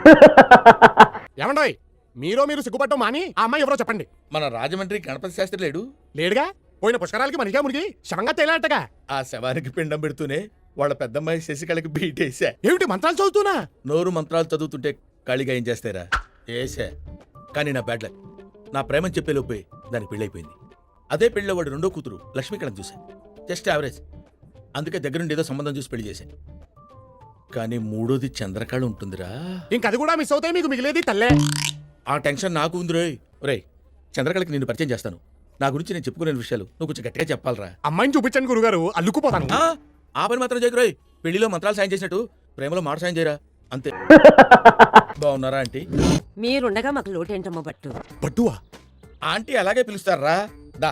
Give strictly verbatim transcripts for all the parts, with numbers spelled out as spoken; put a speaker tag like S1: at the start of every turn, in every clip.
S1: ఏమండోయ్ మీరో మీరు సిగ్గుపట్టం మాని ఆ అమ్మాయి ఎవరో చెప్పండి.
S2: మన రాజమండ్రి గణపతి శాస్త్రి లేడు?
S1: లేడుగా. పోయిన పుష్కరాలకి మనిషిగా మునిగి శవంగా తేలాటగా.
S2: ఆ శవానికి పిండం పెడుతూనే వాళ్ళ పెద్దమ్మాయి శశికళకి బీటేసా.
S1: ఏమిటి మంత్రాలు చదువుతున్నా?
S2: నోరు మంత్రాలు చదువుతుంటే ఖాళీగా ఏం చేస్తారా? ఏసా. కానీ నా బ్యాడ్ లక్, నా ప్రేమని చెప్పేలోపే దానికి పెళ్ళైపోయింది. అదే పెళ్ళిలో వాడు రెండో కూతురు లక్ష్మీకళని చూశాను. Just average. అందుకే దగ్గరుండి ఏదో సంబంధం చూసి పెళ్లి చేశాను. కానీ మూడోది చంద్రకళ ఉంటుందిరా.
S1: ఇంకది కూడా మిస్ అవుతాయి, మీకు మిగిలేది తల్లే.
S2: ఆ టెన్షన్ నాకు ఉంది రోయ్. రేయ్, చంద్రకళకి నేను పరిచయం చేస్తాను. నా గురించి నేను చెప్పుకోలేని విషయాలు నువ్వు కొంచెం గట్టిగా చెప్పాలరా.
S1: అమ్మాయిని చూపించండి గురుగారు, అల్లుకుపోతాను.
S2: ఆ పని మాత్రం చేయకు రోయ్. పెళ్లిలో మంత్రాలు సాయం చేసినట్టు ప్రేమలో మాట సాయం చేయరా, అంతే. బాగున్నారా ఆంటీ?
S3: మీరుండగా మాకు లోటేంటమ్మా బట్టు.
S1: బట్టువా?
S2: ఆంటీ అలాగే పిలుస్తారా. దా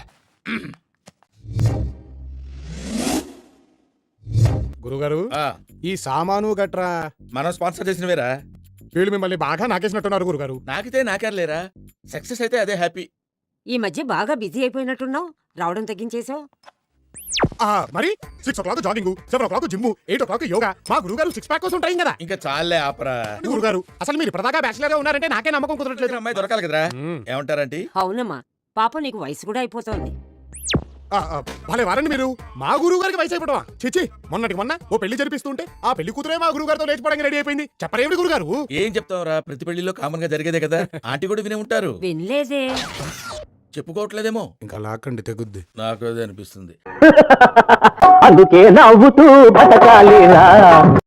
S1: గురుగారు,
S2: ఆ,
S1: ఈ సామాను గట్రా
S2: మనం స్పాన్సర్ చేసినవేరా.
S1: వీళ్ళు మిమ్మల్ని బాగా నాకేసినట్టున్నారు గురుగారు.
S2: నాకితే నాకేర్లేరా. సక్సెస్ అయితే అదే హ్యాపీ.
S3: ఈ మధ్య బాగా బిజీ అయిపోయినట్టున్నావు, రావడం తగ్గించేశావు.
S1: ఆ మరి six o'clock jogging, seven o'clock gym, eight o'clock yoga. మా గురుగారు సిక్స్ ప్యాక్ కోసం ఉంటాయి కదా.
S2: ఇంకా చాలే ఆపరా.
S1: గురుగారు అసలు మీరు ఇప్పటిదాకా బ్యాచిలర్ గా ఉన్నారంటే నాకే నమ్మకం కుదరట్లేదు.
S2: అమ్మాయి దొరకాలి కదరా. ఏమంటారంటీ?
S3: అవునమ్మా, పాప నీకు వయసు కూడా అయిపోతోంది.
S1: ఆ, ఆ, భలే వారండి మీరు. మా గురువు గారికి వయసు అయిపోవడమా? చిచ్చి, మొన్నటి మొన్న ఓ పెళ్లి జరిపిస్తుంటే ఆ పెళ్లి కూతురే మా గురువు గారితో లేచిపోవడానికి రెడీ అయిపోయింది. చెప్పరేమిటి గురుగారు?
S2: ఏం చెప్తావురా, ప్రతి పెళ్లిలో కామన్ గా జరిగేదే కదా. ఆంటీ కూడా వినే ఉంటారు.
S3: వినలేదే.
S2: చెప్పుకోవట్లేదేమో.
S1: ఇంకా లాక్కండి తెగుద్ది.
S2: నాకు అదే అనిపిస్తుంది.
S4: అందుకే నవ్వుతూ బతకాలిరా.